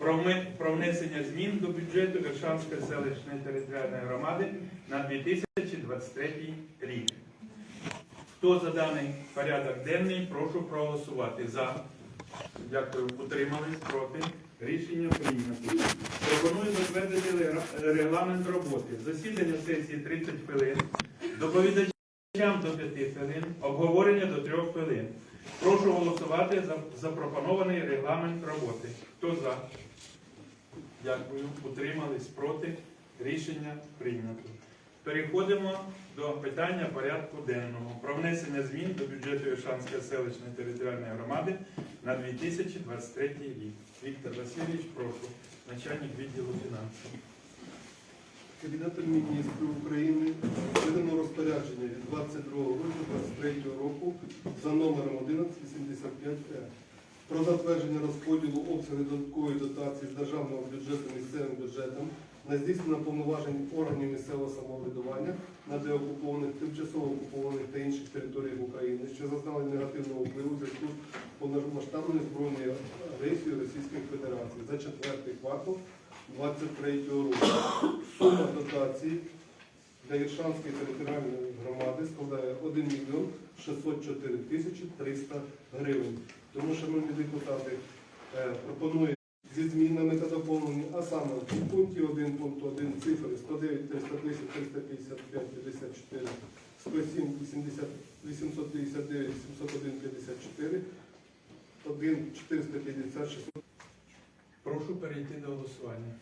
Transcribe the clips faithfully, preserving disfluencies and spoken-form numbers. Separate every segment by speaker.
Speaker 1: про внесення змін до бюджету Віршанської селищної територіальної громади на дві тисячі двадцять третій рік. Хто за даний порядок денний, прошу проголосувати. За. Дякую. Утримались. Проти. Рішення прийнято. Пропоную затвердити регламент роботи. Засідання сесії тридцять хвилин. Доповідачам до п'яти хвилин. Обговорення до трьох хвилин. Прошу голосувати за запропонований регламент роботи. Хто за? Дякую. Утримались. Проти. Рішення прийнято. Переходимо до питання порядку денного. Про внесення змін до бюджету Віршанської селищної територіальної громади на дві тисячі двадцять третій рік. Віктор Васильович, прошу. Начальник відділу фінансів.
Speaker 2: Кабінетом міністрів України видано розпорядження від двадцять другого грудня двадцять третього року за номером одинадцять вісімдесят п'ять Е про затвердження розподілу обсягу додаткової дотації з державного бюджету місцевим бюджетом на здійснення повноважень органів місцевого самоврядування на деокупованих, тимчасово окупованих та інших територіях України, що зазнали негативного впливу в зв'язку з повномасштабною збройною агресією Російської Федерації за четвертий квартал двадцять третього року. Сума дотації для Віршанської територіальної громади складає один мільйон шістсот чотири тисячі триста гривень. Тому, шановні депутати, пропоную зі змінами та доповненнями, а саме в пункті один пункту один цифри сто дев'ять триста десять триста п'ятдесят п'ять п'ятдесят чотири, сто сім вісімдесят вісімсот п'ятдесят дев'ять сімсот один п'ятдесят чотири, один чотириста п'ятдесят шістсот.
Speaker 1: Прошу перейти до голосування.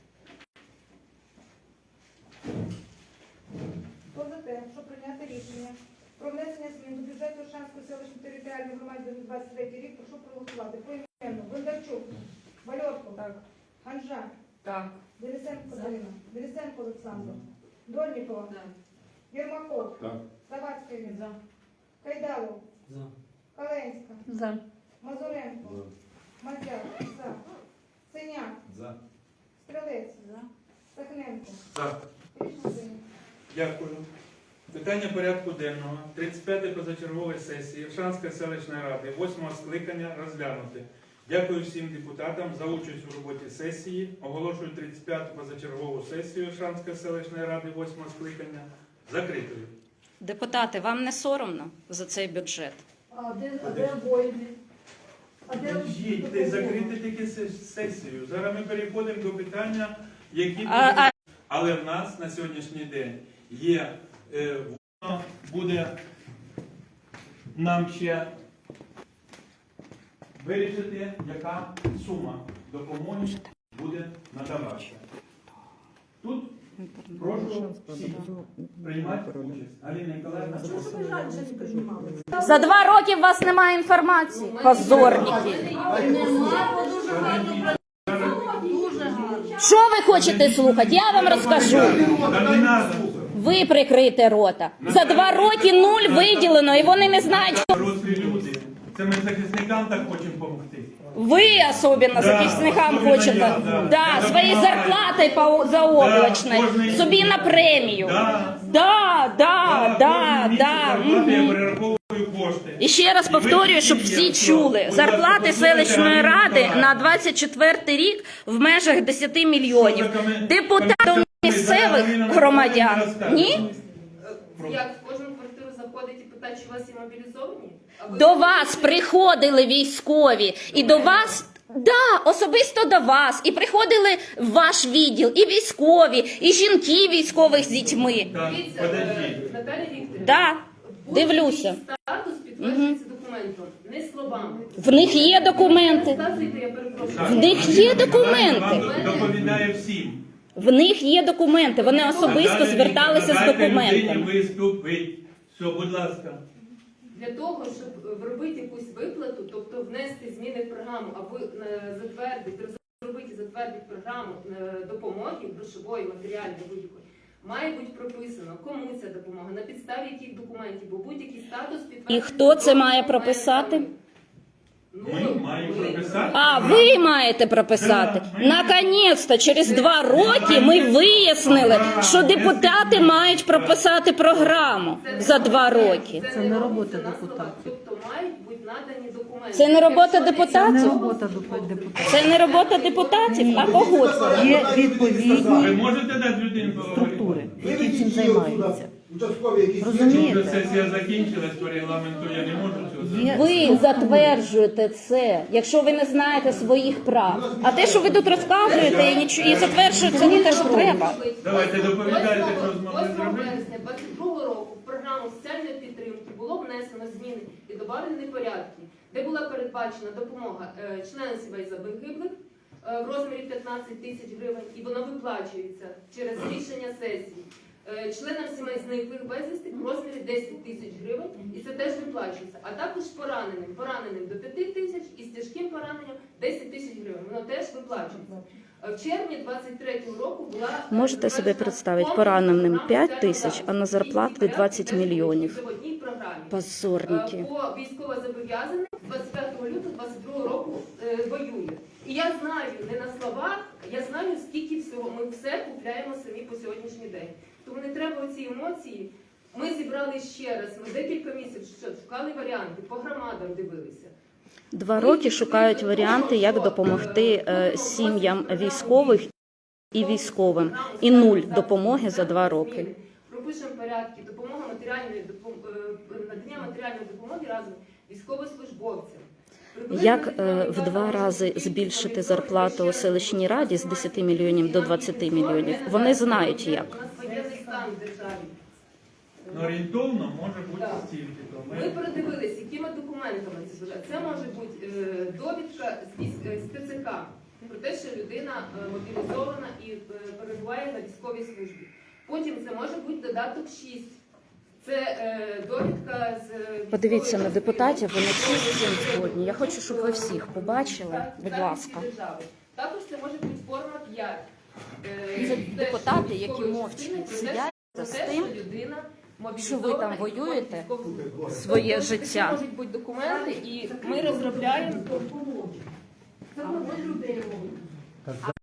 Speaker 3: Хто за те, щоб прийняти рішення про внесення змін до бюджету Віршанської селищної територіальної громади на двадцять третій рік, прошу проголосувати. Поіменно. Бондарчук. Вальовко. Так. Ганжа.
Speaker 4: Так.
Speaker 3: Денисенко Катерина. Денисенко Олександр. Дольнікова.
Speaker 4: Так.
Speaker 3: Єрмаков.
Speaker 2: Так.
Speaker 3: Завадський.
Speaker 4: За.
Speaker 3: Кайдалов.
Speaker 4: За.
Speaker 3: Каленська.
Speaker 4: За.
Speaker 3: Мазуренко. Мазяк. За. Синяк.
Speaker 1: За.
Speaker 3: Стрелець.
Speaker 4: За.
Speaker 3: Сахненко.
Speaker 1: За.
Speaker 3: Рішення прийнято.
Speaker 1: Дякую. Питання порядку денного тридцять п'ятої позачергової сесії Віршанської селищної ради восьмого скликання розглянути. Дякую всім депутатам за участь у роботі сесії. Оголошую тридцять п'яту позачергову сесію Віршанської селищної ради восьмого скликання закритою.
Speaker 5: Депутати, вам не соромно за цей бюджет?
Speaker 3: А де, а де воїни? А де
Speaker 1: Їдьте, закрити тільки сесію. Зараз ми переходимо до питання, які
Speaker 5: А, а...
Speaker 1: але в нас на сьогоднішній день є, е, воно буде нам ще вирішити, яка сума допомоги буде надаватися. Тут прошу всіх приймати участь. Аліна Ніколаївна,
Speaker 5: За два роки у вас немає інформації, позорники. Що ви хочете слухати? Я вам розкажу. Ви прикрийте рота. За два роки нуль виділено, і вони не знають, що...
Speaker 1: Дорослі люди. Це ми захисникам так хочемо допомогти.
Speaker 5: Ви особливо
Speaker 1: Да,
Speaker 5: захисникам
Speaker 1: особливо
Speaker 5: хочете.
Speaker 1: я, да.
Speaker 5: Да,
Speaker 1: Я
Speaker 5: своєю
Speaker 1: допомагаю.
Speaker 5: зарплатою по заоблачною,
Speaker 1: Да, кожний-
Speaker 5: собі на премію.
Speaker 1: Да.
Speaker 5: Да, да, да, да.
Speaker 1: Я
Speaker 5: Мгм.
Speaker 1: перераховую кошти.
Speaker 5: І ще раз повторюю, щоб всі чули. Зарплати селищної ради на двадцять четвертий рік в межах десять мільйонів. Депутатам місцевих громадян. Ні?
Speaker 4: Як в кожну квартиру заходить і питає, чи у вас є мобілізовані? А ви-
Speaker 5: До вас приходили військові. І до вас, да, особисто до вас. І приходили в ваш відділ і військові, і жінки військових з дітьми.
Speaker 1: Так,
Speaker 4: Дивіться,
Speaker 1: подожди.
Speaker 4: е, Наталя Вікторівна.
Speaker 5: Да,
Speaker 4: будь-який
Speaker 5: дивлюся.
Speaker 4: статус підтверджується документом, не словами.
Speaker 5: В них є документи.
Speaker 4: Розказуйте, я перепрошую.
Speaker 1: Так,
Speaker 5: В них є документи.
Speaker 1: Вам доповідає всім.
Speaker 5: В них є документи. Вони особисто
Speaker 1: Наталя
Speaker 5: зверталися з
Speaker 1: Вікторівна, дайте
Speaker 5: документами.
Speaker 1: людині виступить. Все, будь ласка.
Speaker 4: Для того, щоб робити якусь виплату, тобто внести зміни в програму, або е, затвердити, розробити і затвердити програму е, допомоги, грошової, матеріальної, будь-якої, має бути прописано, кому ця допомога, на підставі яких документів, бо будь-який статус підтверджується.
Speaker 5: І хто це має
Speaker 4: документами.
Speaker 5: прописати?
Speaker 1: Ми маємо прописати.
Speaker 5: А, ви маєте прописати. Наконець-то, через два роки ми вияснили, що депутати мають прописати програму за два роки.
Speaker 4: Це не робота депутатів. Тобто мають бути надані документи.
Speaker 5: Це не робота
Speaker 4: Якщо
Speaker 5: депутатів?
Speaker 6: Робота депутатів.
Speaker 5: Це не робота депутатів, а кого це?
Speaker 6: Є відповідні
Speaker 1: Ви можете дати людину поговорити?
Speaker 6: структури, які цим займаються.
Speaker 7: Участкові якісь
Speaker 1: Вже
Speaker 6: Розумієте?
Speaker 1: сесія закінчилась по регламенту, я не можу цього зробити.
Speaker 6: Є
Speaker 5: Ви затверджуєте це, якщо ви не знаєте своїх прав. А те, що ви тут розказуєте і, нічого, і затверджуєте, це не те, що треба.
Speaker 1: Давайте доповідайте, що змогли
Speaker 4: восьмого
Speaker 1: зробити.
Speaker 4: вересня двадцять другого року в програму соціальної підтримки було внесено зміни і добавлені порядки, де була передбачена допомога е, членам сімей загиблих е, в розмірі п'ятнадцять тисяч гривень, і воно виплачується через рішення сесії. Е, Членам сімей зниклих безвісти в розмірі десять тисяч гривень, і це теж виплачується. А також пораненим, пораненим до п'яти тисяч і з тяжким пораненням десять тисяч гривень. Воно теж виплачується. Е, В червні двадцять третього року була е,
Speaker 5: Можете собі
Speaker 4: затверджена
Speaker 5: представити,
Speaker 4: комплексна
Speaker 5: пораненим
Speaker 4: програма
Speaker 5: п'ять
Speaker 4: соціального
Speaker 5: тисяч,
Speaker 4: захисту.
Speaker 5: а на зарплати
Speaker 4: І ці
Speaker 5: двадцять
Speaker 4: порядки теж
Speaker 5: мільйонів.
Speaker 4: будуть в одній програмі.
Speaker 5: Позорники.
Speaker 4: Е, По військовозобов'язаних двадцять п'ятого лютого двадцять другого року е, воює. І я знаю, не на словах, я знаю, скільки всього. Ми все купляємо самі по сьогоднішній день. Тому не треба оці емоції. Ми зібрали ще раз, ми декілька місяців що, шукали варіанти, по громадам дивилися.
Speaker 5: Два роки шукають варіанти, як допомогти е, сім'ям військових і військовим. І нуль допомоги за два роки.
Speaker 4: Пропишемо порядки, допомога матеріальної допом- е, надання матеріальної допомоги разом військовослужбовцям.
Speaker 5: Як е, в два рази збільшити зарплату у селищній раді з десяти мільйонів до двадцяти мільйонів? Вони знають як.
Speaker 4: У нас воєнний стан в державі.
Speaker 1: Ну, орієнтовно може бути
Speaker 4: Так.
Speaker 1: стільки. то
Speaker 4: Ми
Speaker 1: ми-
Speaker 4: передивилися, якими документами це буде. Це може бути е, довідка з військ- е, з Т Ц К про те, що людина е, мобілізована і е, перебуває на військовій службі. Потім це може бути додаток шість. Це е, довідка з е,
Speaker 5: Подивіться на
Speaker 4: військової
Speaker 5: депутатів, вони
Speaker 4: частини.
Speaker 5: всі з цим згодні. Я хочу, щоб ви всіх побачили.
Speaker 4: Так,
Speaker 5: Будь
Speaker 4: так,
Speaker 5: ласка.
Speaker 4: всі держави. Також це може бути форма п'ять. Е,
Speaker 5: Це
Speaker 4: теж
Speaker 5: депутати, які
Speaker 4: військової
Speaker 5: мовчки
Speaker 4: частини про те,
Speaker 5: сидять
Speaker 4: про
Speaker 5: з
Speaker 4: те,
Speaker 5: тим,
Speaker 4: що людина
Speaker 5: що ви там
Speaker 4: мобілізована і
Speaker 5: воюєте
Speaker 4: військову службу.
Speaker 5: своє
Speaker 4: Тобто,
Speaker 5: життя.
Speaker 4: Такі можуть бути документи, і ми розробляємо.